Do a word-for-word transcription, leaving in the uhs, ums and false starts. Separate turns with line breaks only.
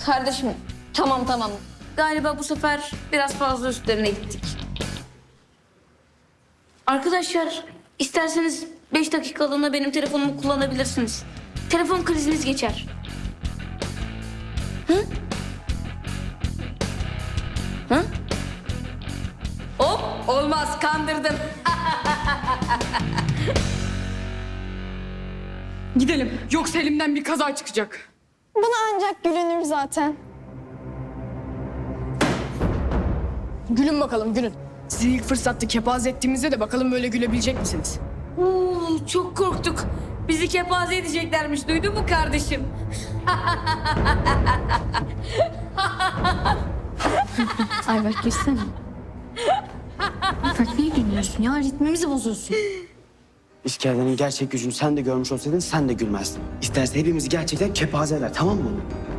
Kardeşim tamam tamam. Galiba bu sefer biraz fazla üstlerine gittik. Arkadaşlar isterseniz beş dakikalığına benim telefonumu kullanabilirsiniz. Telefon kriziniz geçer. Hı? Hı? Hop olmaz kandırdın.
Gidelim. Yoksa elimden bir kaza çıkacak.
Buna ancak gülünür zaten.
Gülün bakalım gülün. Sizi ilk fırsatta kepaze ettiğimizde de bakalım böyle gülebilecek misiniz?
Oo, çok korktuk. Bizi kepaze edeceklermiş. Duydun mu kardeşim?
Ayberk girsene. Ayberk niye gülmüyorsun ya? Ritmimizi bozuyorsun.
İskelenin gerçek gücünü sen de görmüş olsaydın sen de gülmezdin. İsterse hepimizi gerçekten kepaze eder, tamam mı?